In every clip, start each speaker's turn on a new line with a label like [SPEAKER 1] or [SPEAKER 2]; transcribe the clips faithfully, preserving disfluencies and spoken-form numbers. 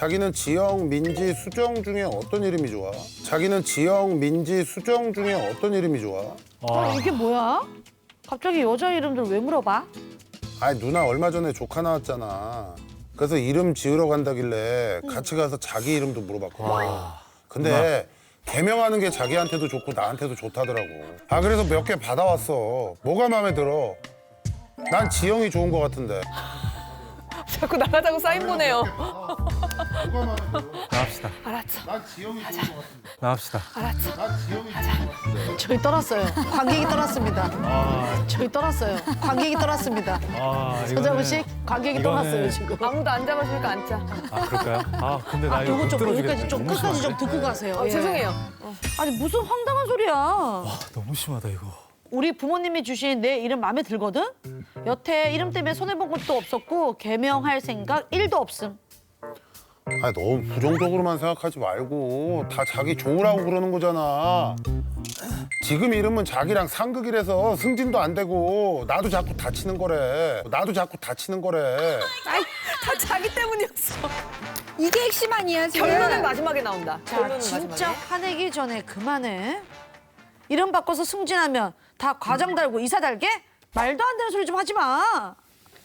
[SPEAKER 1] 자기는 지영, 민지, 수정 중에 어떤 이름이 좋아? 자기는 지영, 민지, 수정 중에 어떤 이름이 좋아?
[SPEAKER 2] 어, 이게 뭐야? 갑자기 여자 이름들 왜 물어봐?
[SPEAKER 1] 아니 누나 얼마 전에 조카 나왔잖아. 그래서 이름 지으러 간다길래 같이 가서 자기 이름도 물어봤거든. 근데 개명하는 게 자기한테도 좋고 나한테도 좋다더라고. 아 그래서 몇 개 받아왔어. 뭐가 마음에 들어? 난 지영이 좋은 것 같은데.
[SPEAKER 3] 자꾸 나가자고 사인 보내요.
[SPEAKER 1] 뭐가 마음에 들어?
[SPEAKER 4] 나갑시다.
[SPEAKER 3] 알았어.
[SPEAKER 1] 난 지영이 좋은 것 같은데.
[SPEAKER 4] 나갑시다.
[SPEAKER 3] 알았어.
[SPEAKER 1] 난 지영이 좋은 것 같은데.
[SPEAKER 2] 저희 떠났어요. 관객이 떠났습니다.
[SPEAKER 4] 아,
[SPEAKER 2] 저희 떠났어요. 관객이 떠났습니다.
[SPEAKER 4] 아
[SPEAKER 2] 서장훈 씨, 관객이
[SPEAKER 4] 이거는-
[SPEAKER 2] 떠났어요 지금.
[SPEAKER 3] 아무도 안 잡아주니까 앉자.
[SPEAKER 4] 아 그럴까요? 아 근데 나 이거
[SPEAKER 2] 요거
[SPEAKER 4] 못
[SPEAKER 2] 좀
[SPEAKER 4] 들어주겠네.
[SPEAKER 2] 여기까지 좀
[SPEAKER 4] 너무
[SPEAKER 2] 끝까지 좀
[SPEAKER 4] 심한데?
[SPEAKER 2] 듣고 가세요.
[SPEAKER 3] 어,
[SPEAKER 2] 예.
[SPEAKER 3] 죄송해요.
[SPEAKER 2] 아니 무슨 황당한 소리야.
[SPEAKER 4] 아, 너무 심하다 이거.
[SPEAKER 2] 우리 부모님이 주신 내 이름 마음에 들거든? 여태 이름 때문에 손해본 것도 없었고 개명할 생각 일도 없음.
[SPEAKER 1] 아니 너무 부정적으로만 생각하지 말고 다 자기 좋으라고 그러는 거잖아. 지금 이름은 자기랑 상극이라서 승진도 안 되고 나도 자꾸 다치는 거래. 나도 자꾸 다치는 거래.
[SPEAKER 3] 아이, 다 자기 때문이었어.
[SPEAKER 5] 이게 핵심 아니야 지금?
[SPEAKER 3] 결론은 마지막에 나온다.
[SPEAKER 2] 자,
[SPEAKER 3] 결론은
[SPEAKER 2] 진짜
[SPEAKER 3] 마지막에.
[SPEAKER 2] 화내기 전에 그만해. 이름 바꿔서 승진하면 다 과장 달고 이사 달게? 말도 안 되는 소리 좀 하지 마.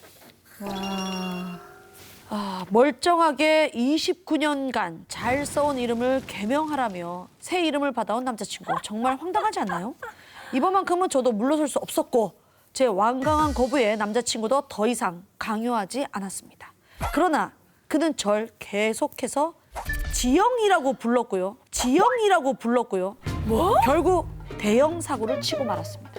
[SPEAKER 2] 아, 멀쩡하게 이십구 년간 잘 써온 이름을 개명하라며 새 이름을 받아온 남자친구. 정말 황당하지 않나요? 이번만큼은 저도 물러설 수 없었고 제 완강한 거부에 남자친구도 더 이상 강요하지 않았습니다. 그러나 그는 절 계속해서 지영이라고 불렀고요. 지영이라고 불렀고요. 뭐? 결국 대형 사고를 치고 말았습니다.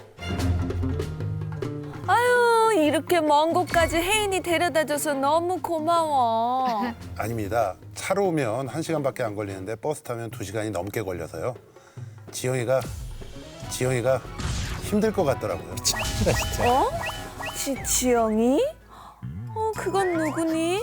[SPEAKER 3] 아유, 이렇게 먼 곳까지 혜인이 데려다줘서 너무 고마워.
[SPEAKER 1] 아닙니다. 차로 오면 한 시간밖에 안 걸리는데 버스 타면 두 시간이 넘게 걸려서요. 지영이가 지영이가 힘들 것 같더라고요.
[SPEAKER 3] 어? 지, 지영이? 어, 그건 누구니?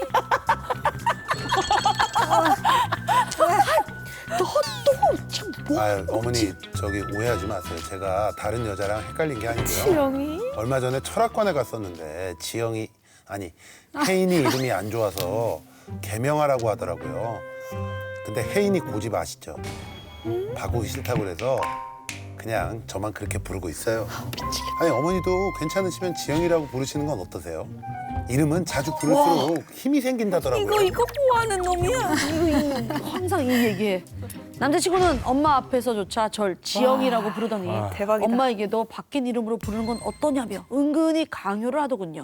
[SPEAKER 2] 너또참 뭐?
[SPEAKER 1] 아 어머니 저기 오해하지 마세요. 제가 다른 여자랑 헷갈린 게 아니고요.
[SPEAKER 3] 지영이?
[SPEAKER 1] 얼마 전에 철학관에 갔었는데 지영이 아니 혜인이 이름이 안 좋아서 개명하라고 하더라고요. 근데 혜인이 고집 아시죠? 바꾸기 싫다고 그래서 그냥 저만 그렇게 부르고 있어요. 아니 어머니도 괜찮으시면 지영이라고 부르시는 건 어떠세요? 이름은 자주 부를수록 힘이 생긴다더라고요.
[SPEAKER 3] 이거, 이거 뭐 하는 놈이야?
[SPEAKER 2] 항상 이 얘기해. 남자친구는 엄마 앞에서조차 절 지영이라고 부르더니
[SPEAKER 4] 아.
[SPEAKER 3] 대박이다.
[SPEAKER 2] 엄마에게도 바뀐 이름으로 부르는 건 어떠냐며 은근히 강요를 하더군요.